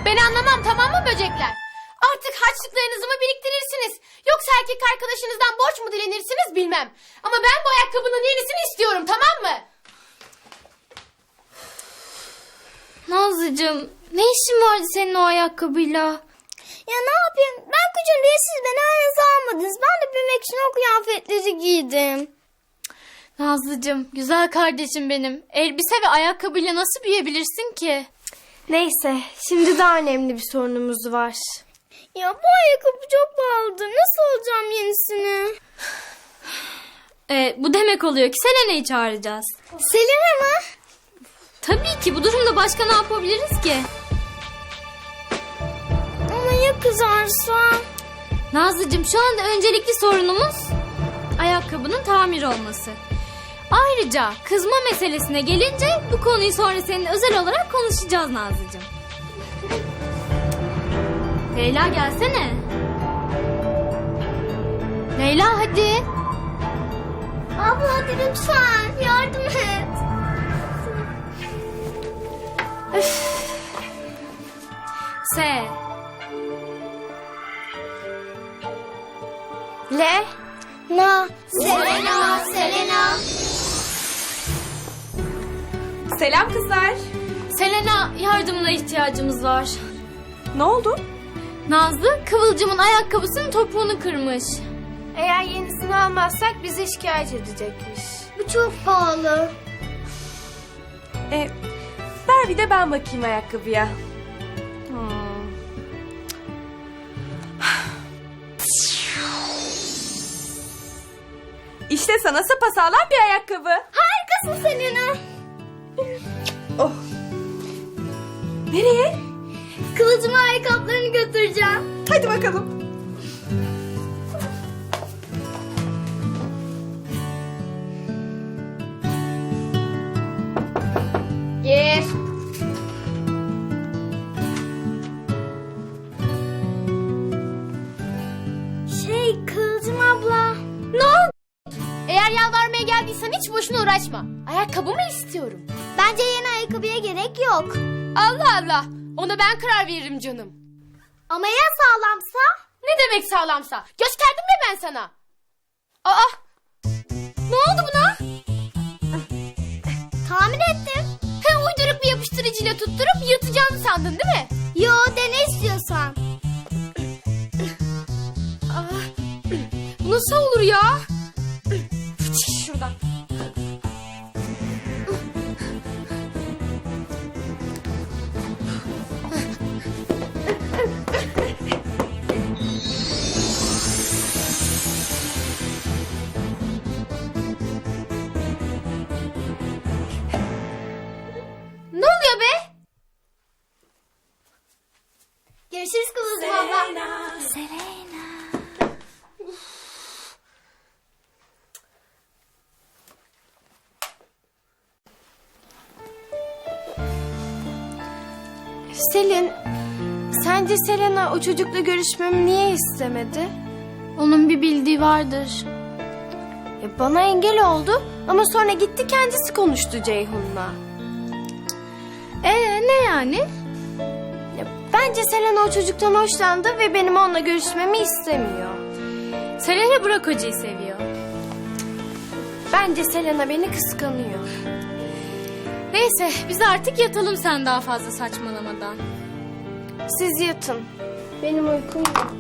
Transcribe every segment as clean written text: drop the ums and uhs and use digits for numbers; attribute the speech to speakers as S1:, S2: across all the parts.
S1: Ben anlamam, tamam mı böcekler? Artık harçlıklarınızı mı biriktirirsiniz? Yoksa erkek arkadaşınızdan borç mu dilenirsiniz bilmem. Ama ben bu ayakkabının yenisini istiyorum, tamam mı?
S2: Nazlıcığım, ne işin vardı senin o ayakkabıyla?
S3: Ya ne yapayım? Ben küçüğüm diye siz beni aranıza almadınız. Ben de büyümek için o kıyafetleri giydim.
S2: Nazlıcığım, güzel kardeşim benim. Elbise ve ayakkabıyla nasıl büyüyebilirsin ki?
S4: Neyse, şimdi daha önemli bir sorunumuz var.
S3: Ya bu ayakkabı çok pahalıdır. Nasıl alacağım yenisini?
S2: Bu demek oluyor ki Selena'yı çağıracağız.
S3: Selena mı?
S2: Tabii ki, bu durumda başka ne yapabiliriz ki?
S3: Ama ya kızarsa?
S2: Nazlıcığım, şu anda öncelikli sorunumuz ayakkabının tamir olması. Ayrıca kızma meselesine gelince bu konuyu sonra seninle özel olarak konuşacağız Nazlıcığım. Leyla gelsene. Leyla hadi.
S3: Abla hadi lütfen yardım et.
S2: S.
S4: Le,
S3: Na. Selena, Selena.
S5: Selam kızlar.
S2: Selena, yardımına ihtiyacımız var.
S5: Ne oldu?
S2: Nazlı, Kıvılcım'ın ayakkabısının topuğunu kırmış.
S4: eğer yenisini almazsak bizi şikayet edecekmiş.
S3: Bu çok pahalı.
S5: Ver bir de ben bakayım ayakkabıya. İşte sana sapasağlam bir ayakkabı.
S3: Harikasın Selena.
S5: Oh. Nereye?
S3: Kılıcıma ayakkabılarını götüreceğim.
S5: Hadi bakalım.
S1: Gir.
S3: Kılıcım abla.
S1: Ne oldu? Eğer yalvarmaya geldiysen hiç boşuna uğraşma. Ayakkabımı istiyorum.
S3: Bence yeni ayakkabıya gerek yok.
S1: Allah Allah. Ona ben karar veririm canım.
S3: Ama ya sağlamsa?
S1: Ne demek sağlamsa? Gösterdim mi ben sana? Aa! Ne oldu buna?
S3: Tahmin ettim.
S1: He, uyduruk bir yapıştırıcıyla tutturup yırtacağını sandın değil mi?
S3: Yo, dene istiyorsan.
S1: Bu nasıl olur ya? Çık şuradan. Ne oluyor be?
S3: Görüşürüz Kılıcım abla.
S4: Selin, sence Selena o çocukla görüşmemi niye istemedi?
S2: Onun bir bildiği vardır.
S4: Ya bana engel oldu ama sonra gitti kendisi konuştu Ceyhun'la.
S2: Ne yani?
S4: Ya bence Selena o çocuktan hoşlandı ve benim onunla görüşmemi istemiyor.
S2: Selena Burak Hoca'yı seviyor.
S4: Bence Selena beni kıskanıyor.
S2: Neyse, biz artık yatalım sen daha fazla saçmalamadan.
S4: Siz yatın. Benim uykum yok.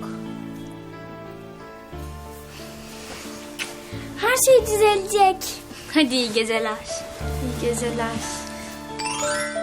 S3: Her şey düzelecek.
S2: Hadi iyi geceler.
S4: İyi geceler.